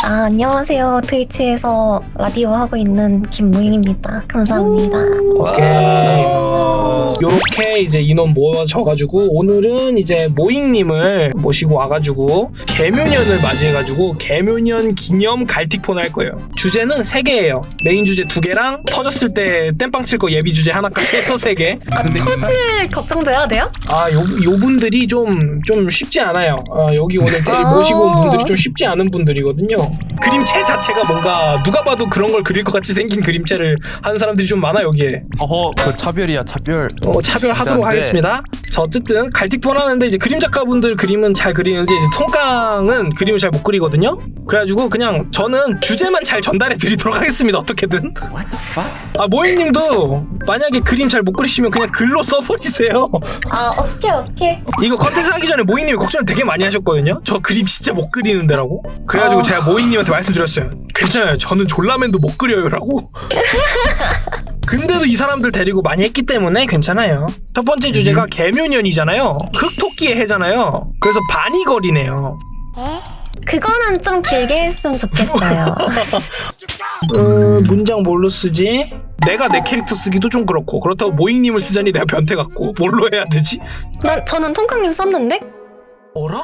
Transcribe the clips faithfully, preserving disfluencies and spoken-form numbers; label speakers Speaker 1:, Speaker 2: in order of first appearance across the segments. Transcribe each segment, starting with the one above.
Speaker 1: 아, 안녕하세요. 트위치에서 라디오 하고 있는 김무잉입니다. 감사합니다.
Speaker 2: 오케이. 요렇게 이제 인원 모아져가지고 오늘은 이제 모잉님을 모시고 와가지고 개묘년을 맞이해가지고 개묘년 기념 갈틱폰 할 거예요. 주제는 세 개예요. 메인 주제 두 개랑 터졌을 때 땜빵 칠 거 예비 주제 하나까지 해서 세 개.
Speaker 1: 아, 터질 걱정돼야 돼요?
Speaker 2: 아, 요, 요 분들이 좀, 좀 쉽지 않아요. 아, 여기 오늘 데-
Speaker 1: 아.
Speaker 2: 모시고 온 분들이 좀 쉽지 않은 분들이거든요. 그림체 자체가 뭔가 누가 봐도 그런 걸 그릴 것 같이 생긴 그림체를 하는 사람들이 좀 많아, 여기에.
Speaker 3: 어허, 그 차별이야 차별.
Speaker 2: 어, 차별하도록
Speaker 3: 네.
Speaker 2: 하겠습니다. 자, 어쨌든 갈틱폰 하는데 이제 그림 작가분들 그림은 잘 그리는데 이제 통깡은 그림을 잘 못 그리거든요. 그래가지고 그냥 저는 주제만 잘 전달해 드리도록 하겠습니다. 어떻게든.
Speaker 3: What the fuck?
Speaker 2: 아, 모잉님도 만약에 그림 잘 못 그리시면 그냥 글로 써버리세요.
Speaker 1: 아, 오케이, 오케이.
Speaker 2: 이거 컨텐츠 하기 전에 모잉님이 걱정을 되게 많이 하셨거든요. 저 그림 진짜 못 그리는데라고. 그래가지고
Speaker 1: 어.
Speaker 2: 제가 모잉님한테 말씀드렸어요. 괜찮아요. 저는 졸라맨도 못 그려요라고. 근데도 이 사람들 데리고 많이 했기 때문에 괜찮아요. 첫 번째 주제가 개묘년이잖아요. 흑토끼의 해잖아요. 그래서 바니걸이네요.
Speaker 1: 그거는 좀 길게 했으면 좋겠어요.
Speaker 2: 음, 문장 뭘로 쓰지? 내가 내 캐릭터 쓰기도 좀 그렇고 그렇다고 모잉님을 쓰자니 내가 변태 같고 뭘로 해야 되지?
Speaker 1: 난, 저는 통깡님 썼는데?
Speaker 2: 어라?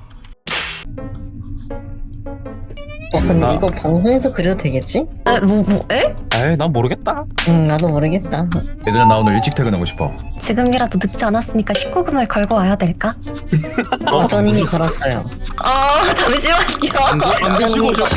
Speaker 4: 어, 근데
Speaker 3: 아.
Speaker 4: 이거 방송에서 그려도 되겠지?
Speaker 1: 아, 뭐, 뭐, 에?
Speaker 3: 에이, 난 모르겠다.
Speaker 4: 응, 나도 모르겠다.
Speaker 5: 얘들아 나 오늘 일찍 퇴근하고 싶어.
Speaker 1: 지금이라도 늦지 않았으니까 십구 금을 걸고 와야 될까?
Speaker 4: 어, 전 이미 걸었어요.
Speaker 1: 아, 잠시만요.
Speaker 3: 안 드시고 오셨.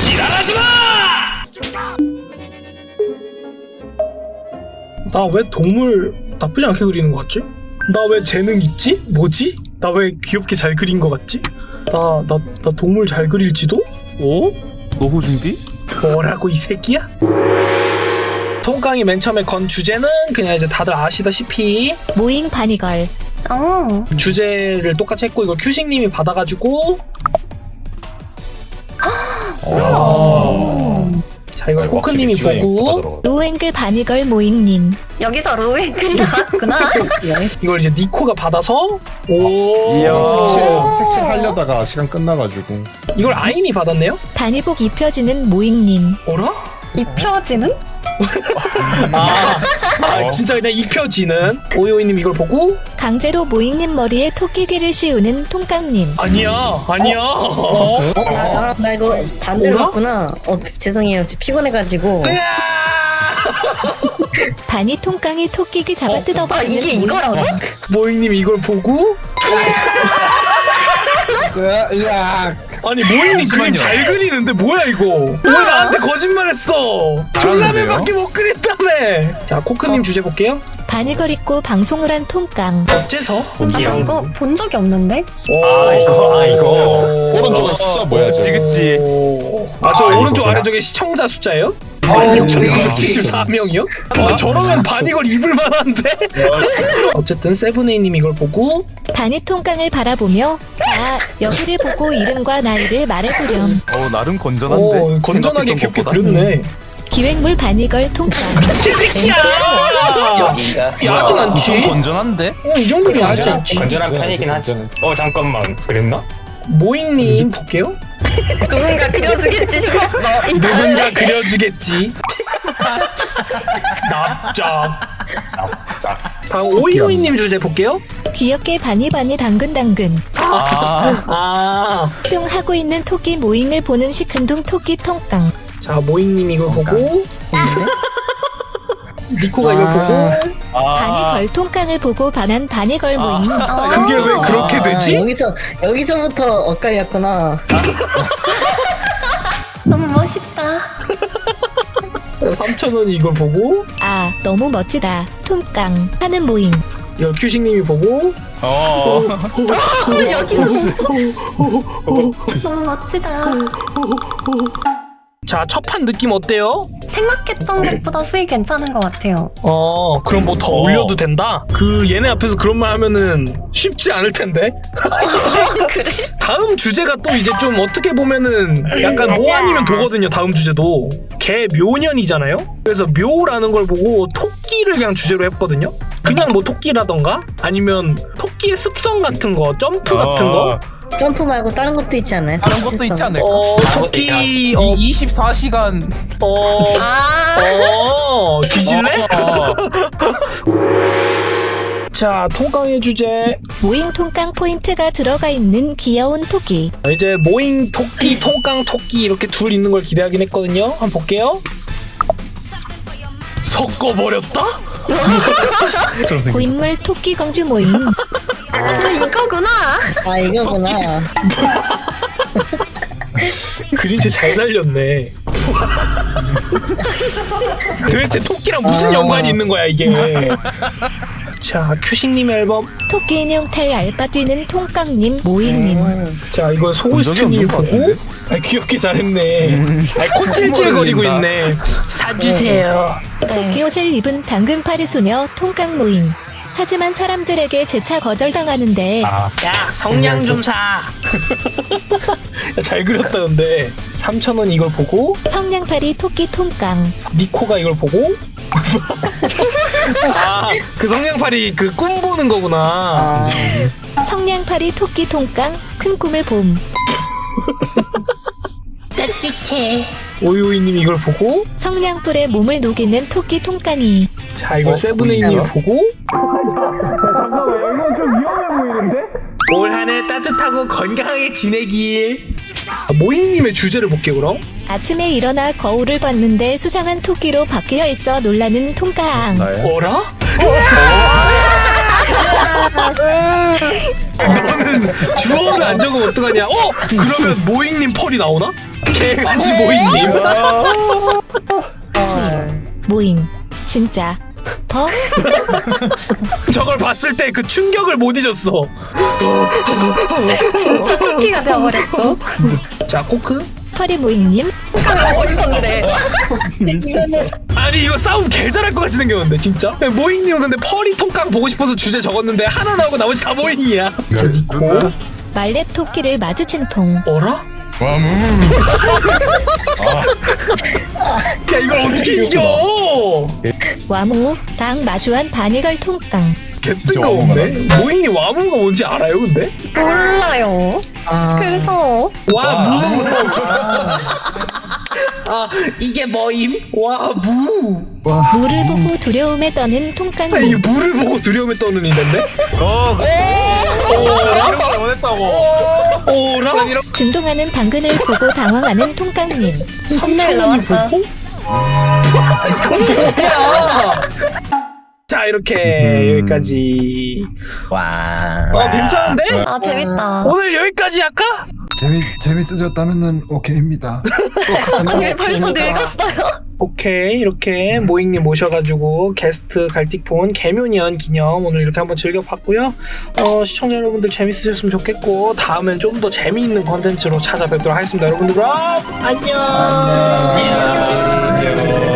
Speaker 2: 나 왜 동물 나쁘지 않게 그리는 것 같지? 나 왜 재능 있지? 뭐지? 나 왜 귀엽게 잘 그린 것 같지? 나, 나, 나 동물 잘 그릴지도?
Speaker 3: 오? 노후 준비?
Speaker 2: 뭐라고 이 새끼야? 통깡이 맨 처음에 건 주제는 그냥 이제 다들 아시다시피
Speaker 6: 모잉 바니걸.
Speaker 1: 어.
Speaker 2: 주제를 똑같이 했고 이걸 큐식님이 받아가지고 자 이걸 코크님이 보고
Speaker 6: 로앵글 바니걸 모잉님.
Speaker 1: 여기서 로앵글이 나왔구나.
Speaker 2: 이걸 이제 니코가 받아서 오
Speaker 3: 이야.
Speaker 7: 색칠, 색칠하려다가 시간 끝나가지고
Speaker 2: 이걸 아인이 받았네요?
Speaker 6: 단위복 입혀지는 모잉님.
Speaker 2: 어라?
Speaker 1: 입혀지는?
Speaker 2: 아, 아 진짜 그냥 입혀지는 오이오이님 이걸 보고
Speaker 6: 강제로 모잉님 머리에 토끼귀를 씌우는 통깡님.
Speaker 2: 아니야 아니야 어?
Speaker 4: 어, 나, 나, 나 이거 반대로
Speaker 2: 뭐라?
Speaker 4: 했구나. 어, 죄송해요. 지금 피곤해가지고.
Speaker 6: 바니 통깡이 토끼귀 잡아
Speaker 1: 아,
Speaker 6: 뜯어버리는
Speaker 1: 이게 이거라고?
Speaker 2: 모잉님이 이걸 보고
Speaker 7: 으악
Speaker 2: 아니 모잉님 그림 잘 그리는데 뭐야 이거 왜 나한테 거짓말했어 졸라맨밖에 못 그렸다며 자 코크님 주제 볼게요
Speaker 6: 바니걸 입고 방송을 한 통깡.
Speaker 2: 어째서?
Speaker 1: 아, 나 이거 본 적이 없는데?
Speaker 2: 아 이거 아 이거
Speaker 7: 오른쪽은 숫자 뭐야
Speaker 3: 그치 그치.
Speaker 2: 아 저 오른쪽 아래쪽에 시청자 숫자예요? 육천육백칠십사 명이요? 아 저러면 반이걸 입을 만한데? 어쨌든 세븐에이님 이걸 보고
Speaker 6: 바니 통깡을 바라보며 아 여기를 보고 이름과 나이를 말해보렴.
Speaker 3: 어 나름 건전한데.
Speaker 2: 오 건전하게
Speaker 3: 생각했던
Speaker 2: 귀엽게
Speaker 3: 것보다.
Speaker 2: 그렸네
Speaker 6: 기획물 바니걸 통깡.
Speaker 2: 미친 새끼야! 야하진
Speaker 3: 좀
Speaker 2: 않지?
Speaker 3: 건전한데?
Speaker 2: 어, 이 정도면 야하지 않지?
Speaker 8: 건전한 편이긴 하지. 어 잠깐만 그랬나?
Speaker 2: 모잉님 볼게요
Speaker 1: 누군가 그려주겠지 싶었어. 이
Speaker 2: 누군가 그려주겠지 납작
Speaker 8: 자,
Speaker 2: 다음 오이오이님 주제 볼게요
Speaker 6: 귀엽게 바니바니 당근당근.
Speaker 3: 아,
Speaker 2: 아,
Speaker 6: 뿅 하고 있는 토끼 모잉을 보는 시큰둥 토끼 통깡.
Speaker 2: 자 모잉님 이걸 보고 니코가 이걸 보고
Speaker 3: 아.
Speaker 6: 바니걸 통깡을 보고 반한 바니걸 모잉.
Speaker 1: 어.
Speaker 2: 그게 왜 그렇게
Speaker 4: 아,
Speaker 2: 되지?
Speaker 4: 여기서, 여기서부터 엇갈렸구나.
Speaker 1: 너무 멋있다.
Speaker 2: 삼천원이 이걸 보고
Speaker 6: 아 너무 멋지다 통깡 하는 모잉.
Speaker 2: 이걸 큐식님이 보고
Speaker 3: 어.
Speaker 1: 여기서 너무 멋지다.
Speaker 2: 자 첫 판 느낌 어때요?
Speaker 1: 생각했던 것보다 수익 괜찮은 것 같아요.
Speaker 2: 어 그럼 뭐 더 올려도 된다? 그 얘네 앞에서 그런 말 하면은 쉽지 않을 텐데
Speaker 1: 그래?
Speaker 2: 다음 주제가 또 이제 좀 어떻게 보면은 약간
Speaker 6: 맞아.
Speaker 2: 뭐 아니면 도거든요. 다음 주제도 개묘년이잖아요. 그래서 묘라는 걸 보고 토끼를 그냥 주제로 했거든요. 그냥 뭐 토끼라던가 아니면 토끼의 습성 같은 거 점프 같은 거
Speaker 4: 점프 말고 다른 것도 있지 않아요?
Speaker 3: 다른 것도 있지 않을까?
Speaker 2: 어 토끼 어,
Speaker 3: 이 이십사 시간
Speaker 2: 어, 어 뒤질래?
Speaker 3: 어.
Speaker 2: 자 통깡의 주제
Speaker 6: 모잉 통깡 포인트가 들어가 있는 귀여운 토끼.
Speaker 2: 이제 모잉 토끼 통깡 토끼 이렇게 둘 있는 걸 기대하긴 했거든요. 한번 볼게요. 섞어버렸다?
Speaker 6: 고인물 토끼 공주 모임.
Speaker 1: 아, 이거구나.
Speaker 4: 아 이거구나.
Speaker 2: 그림체 잘 살렸네. 도대체 토끼랑 무슨
Speaker 4: 아.
Speaker 2: 연관이 있는 거야 이게. 자 큐식님 앨범.
Speaker 6: 토끼 인형 탈 알바 뛰는 통깡님 모잉님.
Speaker 4: 음.
Speaker 2: 자 이건 소울스트님
Speaker 3: 본 적이
Speaker 2: 보고
Speaker 3: 없는 것
Speaker 2: 아, 귀엽게 잘했네. 아, 콧질질거리고 있네. 사주세요.
Speaker 6: 토끼 옷을 입은 당근파리 소녀 통깡 모임. 하지만 사람들에게 재차 거절당하는데
Speaker 8: 아,
Speaker 2: 야 성냥 좀 사. 야, 잘 그렸다 근데. 삼천 원 이걸 보고
Speaker 6: 성냥팔이 토끼 통깡.
Speaker 2: 니코가 이걸 보고 아 그 성냥팔이 그 꿈 보는 거구나.
Speaker 4: 아,
Speaker 6: 성냥팔이 토끼 통깡 큰 꿈을 봄.
Speaker 2: 오이오이님이 이걸 보고
Speaker 6: 성냥불에 몸을 녹이는 토끼 통깡이.
Speaker 2: 자 이걸
Speaker 4: 어,
Speaker 2: 세븐에이님이
Speaker 4: 보이시나요?
Speaker 2: 보고 잠깐만 이건 좀 위험해 보이는데? 올 한 해 따뜻하고 건강하게 지내길. 모잉님의 주제를 볼게요 그럼.
Speaker 6: 아침에 일어나 거울을 봤는데 수상한 토끼로 바뀌어 있어 놀라는 통깡.
Speaker 7: 나야?
Speaker 2: 어라? 너는 주어를 안 적으면 어떡하냐? 어? 그러면 모잉님 펄이 나오나? 개같이 모잉님.
Speaker 6: 모임. 진짜. 버?
Speaker 2: 저걸 봤을 때 그 충격을 못 잊었어.
Speaker 1: 진짜 토끼가 되어버렸고.
Speaker 2: 자 코크.
Speaker 6: 펄이 모임님.
Speaker 1: 하고 싶었는데.
Speaker 2: 아니 이거 싸움 개 잘할 것 같이 생겼는데 진짜. 모잉님은 근데 펄이 통깡 보고 싶어서 주제 적었는데 하나 나오고 나머지 다 모잉이야. 저 니코.
Speaker 6: 말렙 토끼를 마주친 통.
Speaker 2: 어라?
Speaker 5: 와무.
Speaker 2: 야 이걸 어떻게 이겨?
Speaker 6: 와무 당 마주한 바니걸 통깡.
Speaker 2: 개뜬가 없네. 모잉이 와무가 뭔지 알아요 근데?
Speaker 1: 몰라요.
Speaker 4: 아.
Speaker 1: 그래서
Speaker 2: 와무. 아 이게 뭐임? 와무.
Speaker 6: 물을 보고 두려움에 떠는
Speaker 2: 아 이게
Speaker 6: 통깡님.
Speaker 2: 물을 보고 두려움에 떠는 인데?
Speaker 3: 어, 그치. 이런 걸 원했다고.
Speaker 2: 오라?
Speaker 6: 진동하는 당근을 보고 당황하는 통깡님.
Speaker 1: 선물 나왔다.
Speaker 2: 자 이렇게 여기까지.
Speaker 5: 와.
Speaker 2: 어 괜찮은데?
Speaker 1: 아 재밌다.
Speaker 2: 오늘 여기까지 할까?
Speaker 5: 재미 재밌으셨다면은 오케이입니다.
Speaker 1: 아, 왜 벌써 늙었어요?
Speaker 2: 오케이 이렇게 모잉님 모셔가지고 게스트 갈틱폰 개묘년 기념 오늘 이렇게 한번 즐겨봤고요. 어, 시청자 여러분들 재밌으셨으면 좋겠고 다음엔 좀 더 재미있는 컨텐츠로 찾아뵙도록 하겠습니다. 여러분들 그럼 안녕.
Speaker 8: 안녕.